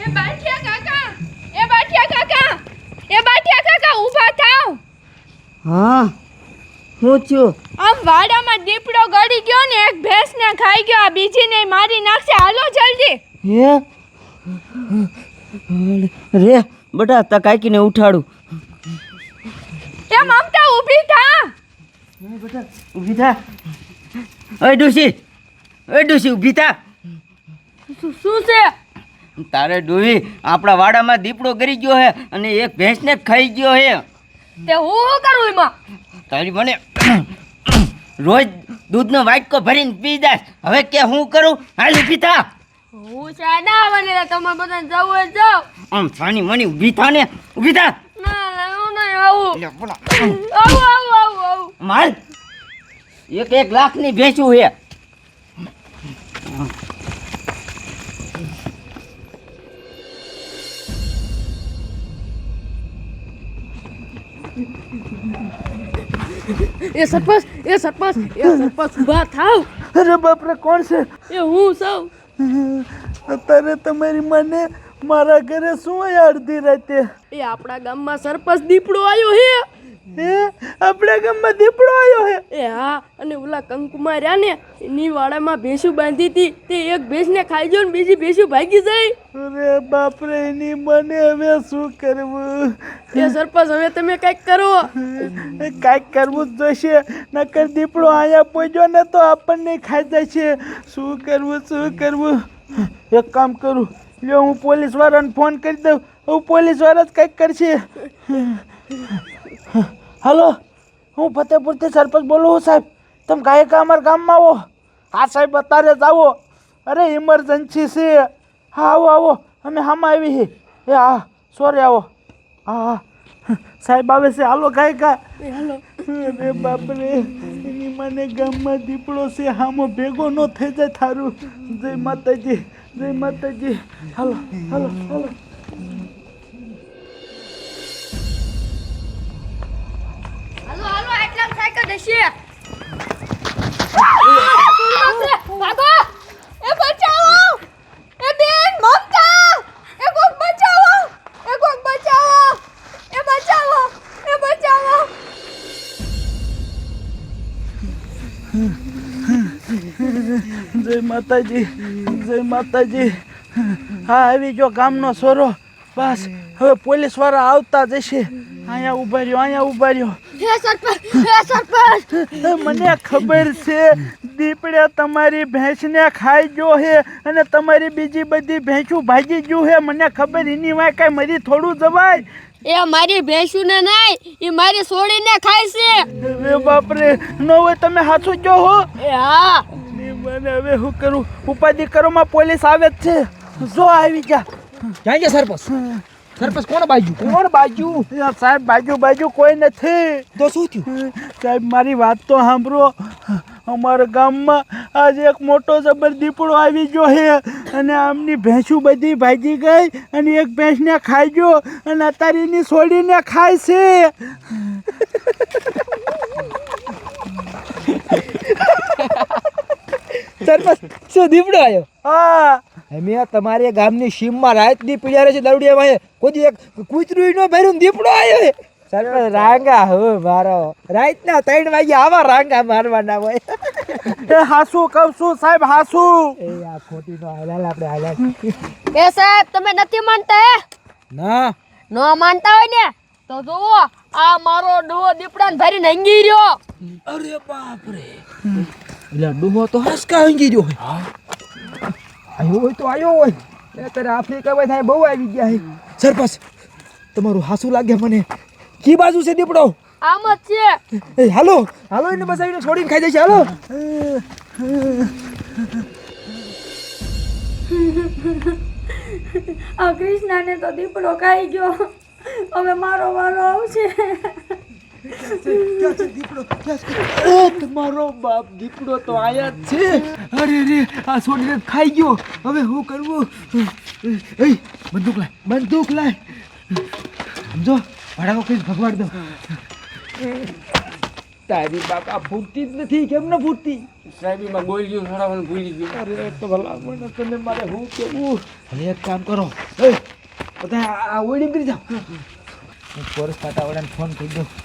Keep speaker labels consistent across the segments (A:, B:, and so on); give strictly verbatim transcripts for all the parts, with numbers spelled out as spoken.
A: એ બાઠિયા કાકા એ બાઠિયા કાકા એ બાઠિયા કાકા ઊભા થાવ.
B: હા હું થયું?
A: આમ વાડામાં દીપડો ગળી ગયો ને એક ભેંસને ખાઈ ગયો, આ બીજીને મારી નાખશે. હાલો જલ્દી.
B: હે રે બટા તા કાકીને ઉઠાડું.
A: એ મમતા ઊભી થા.
B: બેટા ઊભી થા. ઓય ડોશી ઓય ડોશી ઊભી થા.
A: શું છે?
B: તારે ડોવી આપણા વાડામાં દીપડો ગરી ગયો હે અને એક ભેંસને ખાઈ ગયો હે.
A: તે હું શું કરું એમાં?
B: તારી મને રોજ દૂધનો વાટકો ભરીને પી જાય. હવે કે હું કરું? હાલ ઊભી થા.
A: હું સાડા આવવાની તમે બધાને જવું હોય જાઓ.
B: આમ સાની મની ઊભી થા ને. ઊભી થા.
A: ના ના હું નહીં આવું.
B: લે બોલા.
A: આવું આવું આવું આવું.
B: માલ એક એક લાખની ભેંસું હે.
A: એ સરપંચ એ સરપંચ એ સરપંચ ઊભા થાવ.
C: અરે બાપરે કોણ છે?
A: એ હું સૌ.
C: અત્યારે તમારી મને મારા ઘરે શું હોય અડધી રાતે?
A: એ આપણા ગામમાં સરપંચ દીપડો આવ્યો હે.
C: હે આપણા ગામમાં દીપડો આવ્યો હે?
A: એ હા, અને ઓલા કંકુમાં રહ્યા ને એની વાડામાં ભેંસું બાંધી હતી, તે એક ભેંસને ખાઈ ગયો ને બીજી ભેંસું ભાગી જાય.
C: અરે બાપરે એની મને હવે શું કરવું?
A: એ સરપંચ હવે તમે કંઈક કરો.
C: કાંઈક કરવું જ જોઈશે, નકર દીપડો અહીંયા પહોંચ્યો ને તો આપણને ખાઈ જાય છે. શું કરવું શું કરવું? એક કામ કરું, લ્યો હું પોલીસ વાળાને ફોન કરી દઉં. હું પોલીસ વાળા જ કંઈક કરશે. હાલો, હું ફતેપુરથી સરપંચ બોલું છું સાહેબ. તમે કાંઈ અમારા ગામમાં આવો. હા સાહેબ અત્યારે જ આવો. અરે ઇમરજન્સી છે. હા આવો આવો, અમે હામાં આવી છે. એ હા સોરી આવો. હા હા સાહેબ આવે છે. હાલો કાંઈ કા.
A: હાલો.
C: અરે બાપરે એની મને ગામમાં દીપડો છે, હામો ભેગો ન થઈ જાય થારું. જય માતાજી જય માતાજી. હાલો હાલો હાલો.
A: હાલો હાલો આટલા સાયકલ દેશે. ભાગો. એ બચાવો. એ બેન મમતા. એ કોક બચાવો. એ કોક બચાવો. એ બચાવો. એ બચાવો.
C: જય માતાજી જય માતાજી. હા આવી જો ગામનો સોરો. બસ હવે પોલીસ વાળા આવતા જશે. અહીંયા ઉભા રહ્યો અહીંયા ઉભા રહ્યો.
A: હે સરપંચ હે સરપંચ.
C: મને ખબર છે દીપડે તમારી ભેંસને ખાઈ ગયો હે અને તમારી બીજી બધી ભેંસું ભાગી ગયું હે. મને ખબર એની વાય કાંઈ મરી થોડું જવાય.
A: એ મારી ભેંસુને નહીં, એ મારી સોડીને ખાય છે.
C: અરે બાપરે નો હોય તમે હાચું કહો હો.
A: એ હા.
C: મને હવે શું કરું? ઉપાધિ કરોમાં પોલીસ આવે જ છે. જો આવી જા.
D: ક્યાં ગયા સરપંચ? સરપંચ કોણ બાજુ કોણ બાજુ?
C: યાર સાહેબ બાજુ બાજુ કોઈ નથી.
D: તો શું થયું?
C: સાહેબ મારી વાત તો સાંભળો. અમારા ગામમાં આજે એક મોટો જબર દીપડો આવી ગયો છે અને આમની ભેંસું બધી ભાગી ગઈ અને એક ભેંસને ખાઈ ગયો અને અત્યારે એની છોડીને ખાય છે.
D: સરપંચ શું દીપડો આવ્યો?
C: હા
D: અમે તમારે ગામની સીમમાં રાતની પીડિયારે છે દરડિયામાં કોઈ એક કૂતરું ન ભર્યું દીપડો આવ્યો છે. સરપંચ રાંગા હો મારો રાતના ત્રણ વાગે આવા રાંગા મારવાના હોય.
C: એ હાસુ કહું છું સાહેબ હાસુ.
D: એ આ ખોટી નો હાલાલ આપણે હાલાલ.
A: એ સાહેબ તમે નથી માનતા હે?
D: ના
A: ન માનતા હોય ને તો જુઓ આ મારો ડોહો દીપડાને ભરીને હંગી રહ્યો.
D: અરે બાપ રે, એટલે ડૂહો તો હાસકા હંગી રહ્યો હોય. આયો હોય તો આયો હોય. અત્યારે આફ્રિકા માં થાય બહુ આવી ગયા છે. સરપંચ તમારું હાસુ લાગે મને. કી બાજુ છે દીપડો?
A: આમ જ છે.
D: એ હાલો હાલો એને બસાવીને છોડીને ખાઈ જશે. હાલો.
E: આ કૃષ્ણાને તો દીપડો ખાઈ ગયો. હવે મારો વારો આવશે.
D: તમારો બાપ દીપડો તો આયા જ છે. અરે રે આ છોડીને ખાઈ ગયો. હવે શું કરવું? એ બંદૂક લાય બંદૂક લાય. સમજો ભાડાકો કઈ ભગવાડ દો. તારી બાપા ફૂટતી જ નથી કેમ ન ફૂટતી
F: સાહેબીમાં ગોળીઓ સડાવવાનું ભૂલી ગયું.
D: અરે તો ભલા મને તને મારે હું કેવું હવે એક કામ કરો એ બધા આ- આ ઓડી કરી જાઓ હું પોલીસ ખાતાવાળાને ફોન કરી દઉં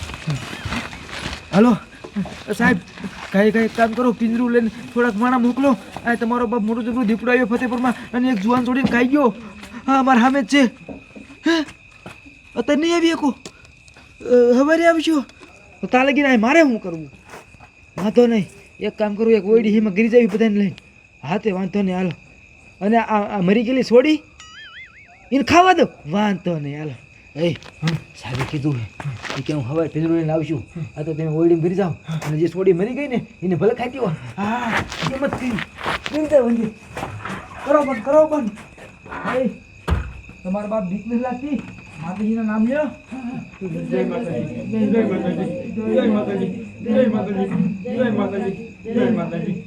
D: હલો સાહેબ કઈ કઈ કામ કરો પિંજરું લઈને થોડાક માણા મોકલો આ તમારો બાપ મોટું જબરું દીપડો આવ્યો ફતેપુરમાં અને એક જુવાન છોડીને ખાઈ ગયો હા મારા સામે જ છે હે અત્યારે નહીં આવી શકો હવારે આવશો તો તા લગીને આ મારે શું કરવું વાંધો નહીં એક કામ કરું એક ઓયડી હિમાં ગીરી જાવી બધાને લઈને હા તે વાંધો નહીં હાલો અને આ આ મરી ગયેલી છોડી એને ખાવા દો વાંધો નહીં હાલો એ સાહેબે કીધું હે કે હું હવારે ભેજરું લઈને આવશું આ તો તમે ઓયડીમાં ગીરી જાઓ અને જે છોડી મરી ગઈ ને એને ભલે ખાતી હોય હા એમ જ કરી ગીરી વંજી કરો બંધ કરો બંધ એ તમારા બાપ બીક નથી લાગતી માતાજીના નામ લ્યો
F: જય માતાજી જય માતાજી જય માતાજી જય માતાજી જય માતાજી જય માતાજી